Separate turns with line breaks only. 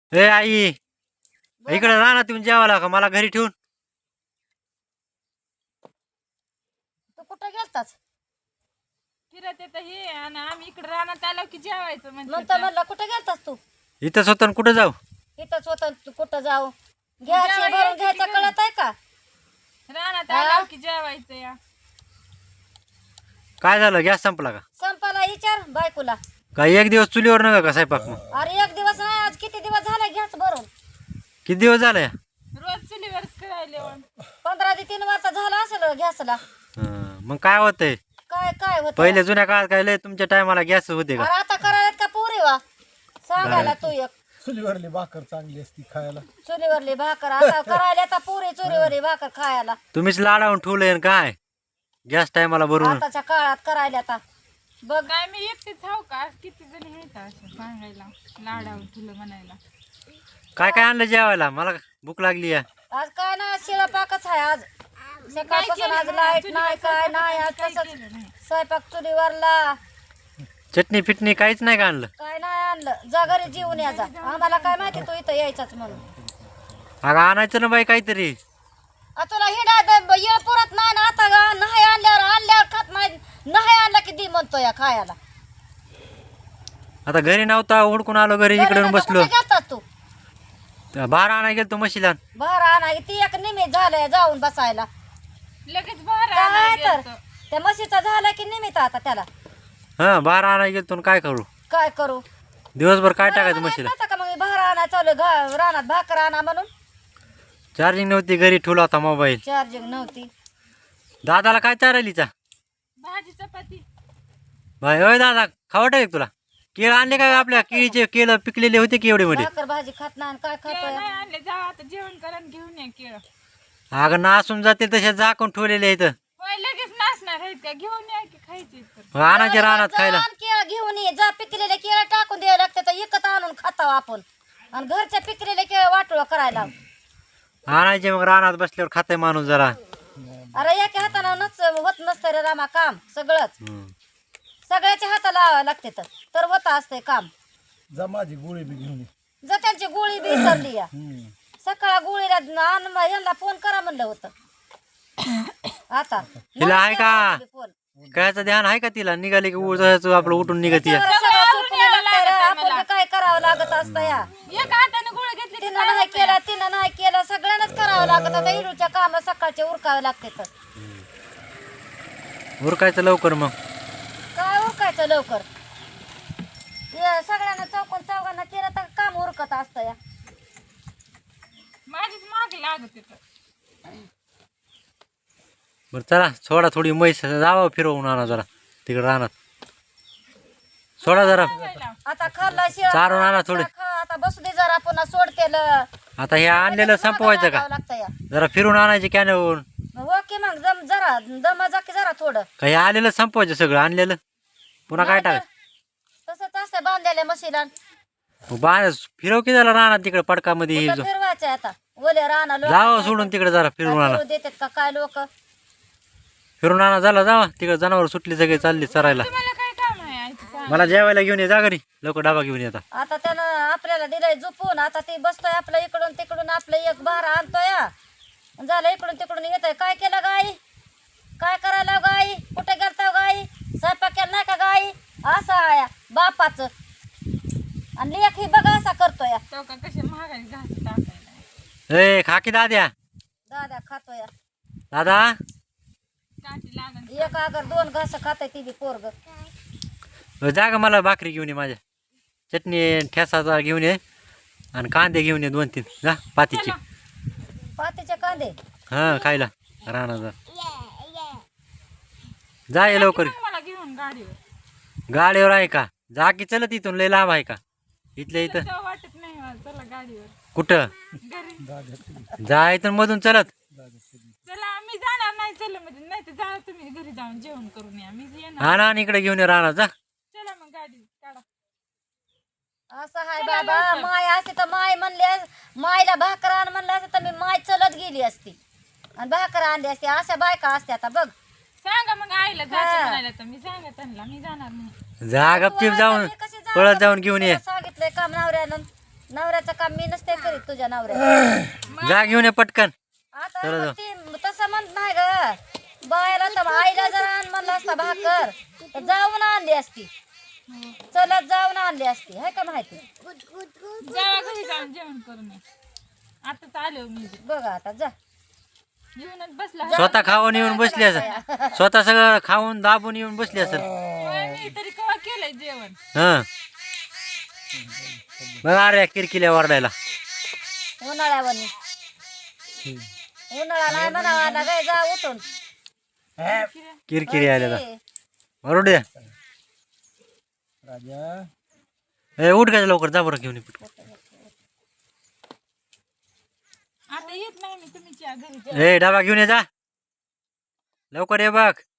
ए आई, इकडे राहणार तुम्ही जेवायला का मला घरी ठेवून?
तू कुठं गेलतास?
फिरत येत हे आणि आम्ही इकडे रानात आलो की जेवायचं
मग तर म्हणलं कुठं गेलतास तू?
इथं स्वतः कुठं जाऊ?
इथंच होतं तू कुठं जाऊ? गॅस हे भरून घ्यायचं कळत आहे का?
रानात आलो की जेवायचं या.
काय झालं, गॅस संपला का?
संपाला विचार बायकोला.
काय एक दिवस चुलीवर नका का स्वयंपाक? मग
अरे एक दिवस नाही, आज किती दिवस झाले गॅस भरून?
किती दिवस झाले?
रोज चुलीवरच करायले.
15 ते 3 वर्ष झालं असेल गॅसला.
मग काय होतंय?
काय काय होत?
पहिले जुन्या काळात काय लय तुमच्या टायमाला गॅस होते का?
अरे आता करायला का पुरी वा सांगायला तू एक.
चुलीवरली भाकर चांगली असती खायला.
चुलीवरली भाकर आता करायला आता पुरी चुलीवरली भाकर खायला.
तुम्हीच लाडावून ठेवलंय काय गॅस टायमाला भरून?
आताच्या काळात करायला आता बघ.
काय मी एकटीच हाव का? आज किती जणी आहेत असं सांगायला, लाडावून तुला म्हणायला.
काय काय आणलं जेवायला? मला भूक लागली आहे.
आज काय ना शिळा पाकच आहे. आज सकाळपासून आज लाईट नाही काय नाही. आज तसंच स्वयंपाक चुलीवरला.
चटणी फिटणी काहीच नाही का आणलं?
काय नाही आणलं. जा घरी जेवून या जा. आम्हाला काय माहिती तू इथं यायचाच म्हणून.
अगं आणायचं ना बाई काहीतरी.
तुला हिंडा येळ पुरत नाही ना आता नाही आणल्यावर खात नाही. नाही आणला की दी म्हणतो या खायला.
आता घरी नव्हता, हुडकून आलो घरी, इकडे येऊन बसलो.
कुठे गेलतास तू?
बाहेर आणाय गेलतो म्हशीला.
बाहेर आणा ती एक निमित्त झालंय जाऊन बसायला.
लगेच बाहेर
काय
आणायला
तर
गेलतो.
त्या म्हशीचा झाला की निमित्त आता त्याला
हा, बाहेर आणाय गेलतो. काय करू?
काय करू?
दिवसभर काय टाकायचं म्हशीला?
नव्हतं का मग बाहेर आणा चालू रानात भाकर आणा म्हणून.
चार्जिंग नव्हती, घरी ठेवला होता मोबाईल.
चार्जिंग नव्हती.
दादाला काय चारायलीचा?
भाजी चपाती.
भाई होय दादा, खावट आहे तुला? केळ आणले का आपल्या? केळीचे केळ पिकलेले होते की एवढे मध्ये?
भाकर भाजी खात नाही आणि काय
केळं
खातोय?
नाही आणले, जा आता जेवण करा आणि घेऊन या केळं.
अगं नासून जाते तसे झाकून ठेवलेले आहेत.
होय लगेच नाचणार आहेत का? घेऊन या की खायचे तर.
आणायचे रानात खायला.
केळ घेऊन ये जा. पिकलेले केळ टाकून द्यावं लागते तर एकत आणून खाताव आपण. आणि घरच्या पिकलेले केळ वाटोळं करायला.
आणायचे मग रानात बसल्यावर खाते माणूस जरा.
अरे एका हातानं होत नसतं रे रामा काम सगळंच.
हम्म.
सगळ्याच्या हाताला लावावं लागते तर होत असतंय काम.
जा माझी गोळी बी घेऊन ये.
जर त्यांची गोळी बी विसरली या. सकाळ गोळीला यांना फोन करा म्हणलं होतं. आता
तिला आहे का?
फोन
कायचं ध्यान आहे का तिला? निघाले की उठायचं आपलं, उठून निघत या.
आपण काय करावं लागत असतं या.
एक हाताने गोळ घेतली की
तिनं नाही केलं तिनं नाही केलं सगळ्यांनाच करावं लागत. आता हिरूच्या काम सकाळचे उरकावे लागते तर
उरकायचं लवकर मग.
काय उरकायचं लवकर? सगळ्यांना चौघांना केलं तर काम उरकत असतं या.
माझीच माग लागत येत.
बरं चला, सोडा थोडी म्हैस जावं फिरवून आणा जरा तिकडे रानात. सोडा जरा,
आता खाल्ला शिळा
चारून आणा थोडे.
आता बसू दे जरा पुन्हा सोडतेलं.
आता हे आणलेलं संपवायचं का?
लागतं या.
जरा फिरून आणायचे कॅनवरून.
ओके मग जरा दम जा की जरा थोडं.
काही आलेलं संपवायचं सगळं आणलेलं. पुन्हा काय टाक
तसंच असतं बांधलेल्या म्हशीला.
फिरव की झाला रानात तिकडे पडकामध्ये हे जो.
फिरवायचं आता ओले राहणार
जावं सोडून तिकडे जरा फिरून आणा.
देतात का काय लोक?
फिरून आणा झाला, जावा तिकडे. जनावर सुटली सगळे चालली चरायला.
तुम्हाला काय काम आहे आईचं सांग.
मला जेवायला घेऊन ये, जा घरी लवकर डबा घेऊन येता.
आता त्यानं आपल्याला दिलंय झोपून. आता ती बसतोय आपलं इकडून तिकडून आपलं एक भारा आणतोय झालं. इकडून तिकडून येतोय. काय केलं गाई? काय करायला गाई? कुठे गेलता गाई? स्वयंपाक केला नाही का गाई? असं आहे बापाचं. आणि लेख ही बघा असा करतोय.
तो का कसे महागाई घास टाकायला.
ए खा की दाद्या.
दादा खातोय.
दादा
काठी लागन.
एक अगर 2 घास खाताय ती बी पोरग.
जा ग, मला भाकरी घेऊन ये, माझ्या चटणी ठेसाचा घेऊन ये आणि कांदे घेऊन ये 2-3. जा पातीचे.
पातीचे कांदे
हा खायला राहणार जा. जा ये लवकर.
मला घेऊन गाडीवर.
गाडीवर आहे का? जा की चलत, इथून लय लांब आहे का? इथल्या इथं
जाऊ वाटत नाही मला. चला गाडीवर
कुठं
घरी.
जा, इथून मधून चलत.
चला मी जाणार नाही. चला म्हणजे नाही तर जा तुम्ही घरी जाऊन जेवण करून या. मी येणार.
हा ना, आणि इकडे घेऊन ये राहणार. जा.
चला मग गाडी काढा.
असं हाय बाबा. माय असते तर माय म्हणले मायला भाकर आण म्हणलं असतं तर मी माय चलत गेली असती आणि भाकर आणली असती. अशा बायका असते आता बघ.
सांगा मग आईला जायचं म्हणायला तर मी सांगा त्यांना. मी जाणार नाही.
जा गपचीप जाऊन
मी कशी जाऊ?
पळत जाऊन घेऊन ये.
तुला सांगितलंय काम नवऱ्यानं. नवऱ्याचं काम मी नसते करीत तुझ्या नवऱ्याचं.
जा घेऊन ये पटकन.
आता
चला जाऊ.
ती तसं म्हणत नाही ग. बायला तर आईला जर आण म्हणलं असता भाकर तर जाऊन आणली असती. चलत जाऊन आणली असती हाय का माहिती.
जावा घरी जाऊन जेवण करून या. आताच आले हो मी
बघा आता जा.
जेवणात बसला
स्वतः खाऊन येऊन बसली असेल. स्वतः सगळं खाऊन दाबून येऊन बसली असेल.
मी तरी केव्हा केलंय जेवण.
हं बघा अरे किरकिल्या वरडायला.
उन्हाळ्यावर उन्हाळा नाही म्हणावा ना काय जा उठून.
किरकिरी आलेला बरोबर द्या.
राजा
ए उठ काय लवकर जा बरं घेऊन ये पटकन.
आता येत नाही मी तुम्ही घरी
ए डबा घेऊन ये जा लवकर ये बघ.